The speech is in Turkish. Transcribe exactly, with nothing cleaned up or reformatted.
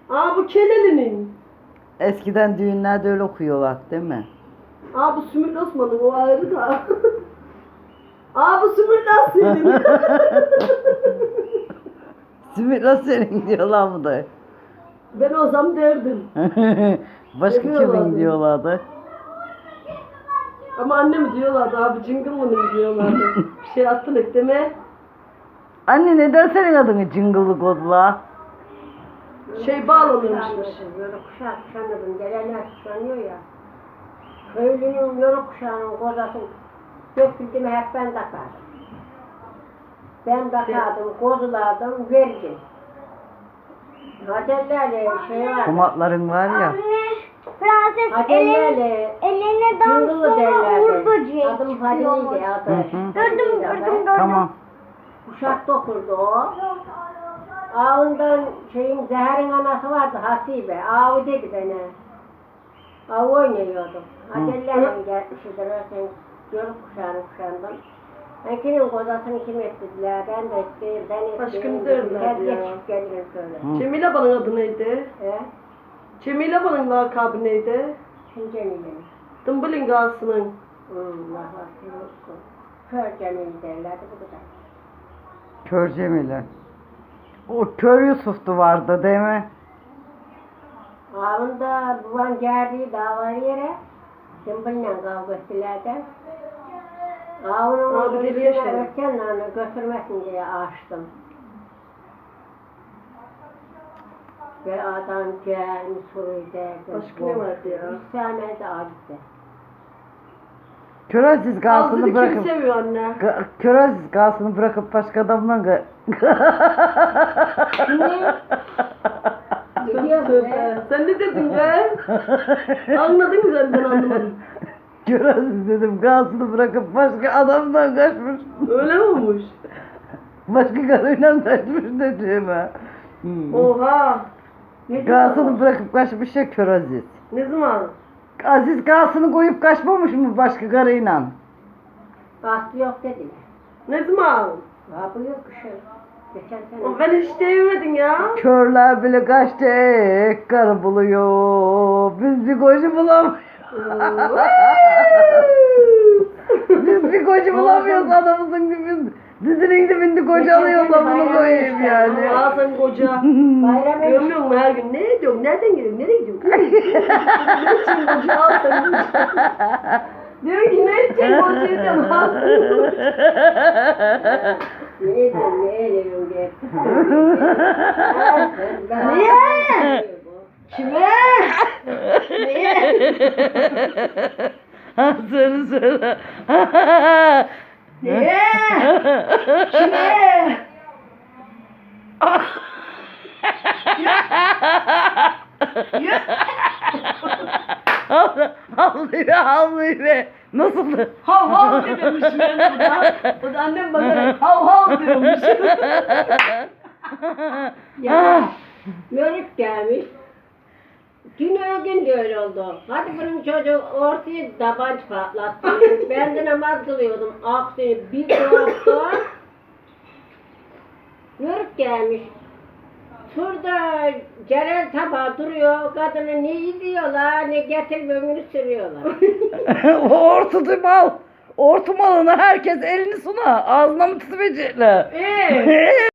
Aa bu Keleli'nin. Eskiden düğünlerde öyle okuyorlar değil mi? Aa bu Sümül Osman'ın o ayrı da. Aa bu Sümül Osman'ın. Sümükla senin diyorlar mı da? Ben olsam derdim. Başka Ne diyorlardı? kimin diyorlardı? Ama anne mi diyorlardı abi cıngıllı'nın diyorlardı. Bir şey attın ekleme. Anne neden senin adını cıngıllı kodular? Şey bağlanırmışmış. Yörük kuşağı kuşanırdım. Gelenler kuşanıyor ya. Köylünün yörük kuşağının kozasını döküldüğümü hep ben takardım. Ben takardım, kozulardım, verdim. Hacerlerle şey var. Kumatların var ya. Prenses elin, Hacerlerle eline cıngılı dansına derlerdi. uğur böceği Adım çıkıyormuş. Fadil'iydi adı. Hı hı. Gördüm, Fadil'iydi gördüm, adı. gördüm. Tamam. Kuşak dokurdu o. Ağından şeyin Zeher'in anası vardı Hasibe. Avu dedi bana. Avu oynuyordum. Hacerlerle gelmişidir. Sen yörük kuşağını kuşandım. Ben kimin kozasını kim ettiler, ben de ettim, ben ettim. Aşkım derlerdi Her ya. geçip gelirim şöyle. Hı. Cemile Bala'nın adı neydi? He? Cemile Bala'nın lakabı neydi? Kim Cemile'nin? Dımbılın Gağası'nın. Hmm, Allah Allah. Kör Cemil derlerdi bu kadar. Kör Cemile. O Kör Yusuf'tu vardı değil mi? Ağında babam geldiği dava yere Cemil'le kavga ettiler de. Ağının Abi o geliyor üstüne şey. ötkenle götürmesin diye açtım. Ve adam gelmiş soruyu derdi. Başka ne vardı ya? İstemedi gitti. Kör Aziz Ağzını Gağsı'nı kim bırakıp seviyor anne? Ga- Kör Aziz Gağsı'nı bırakıp başka adamla ga- Ne diyor bu Tövbe. be? Sen ne dedin be? Anladın mı sen ben anlamadım. Kör Aziz dedim Gağsı'nı bırakıp başka adamla kaçmış. Öyle mi olmuş? Başka karıyla kaçmış dediğime. Hmm. Oha. Ne Gağsı'nı diyor? bırakıp kaçmış ya Kör Aziz. Ne zaman? Aziz Gağsı'nı koyup kaçmamış mı başka karıyla? Bastı yok dediler. Ne zaman? Ha bu yok kışın. Geçen sene. O ben hiç değmedin ya. Körler bile kaçtı ek karı buluyor. Biz bir koca bulamıyoruz. Biz bir koca bulamıyoruz adamımızın dibinde. Dizinin dibinde koca alıyorsa bunu koyayım yani. Ağzın koca. Bayram Görmüyor musun her gün? Ne diyorum? Nereden geliyorum? Nereye gidiyorum? Ne için koca alsın? Diyorum ki ne için koca diyorum? Ne diyorum ne ediyorum diye. Niye? Kime? Niye? Ha söyle söyle. Niye? Kime? Havlıyor havlıyor. Nasıldı? Hav hav diyormuş ben burada. O da annem bana hav hav diyormuş. Ya yörük gelmiş. Dün öğün de öyle oldu. Hadi bunun çocuğu ortaya tabanç patlattı. Ben de namaz kılıyordum. Aksini bir korktu. Yörük gelmiş. Şurada Celal tabağı duruyor. Kadını ne yiyorlar ne getir bömünü sürüyorlar. O ortu mal. Ortu malına herkes elini suna. Ağzına mı tutacaklar? Eee?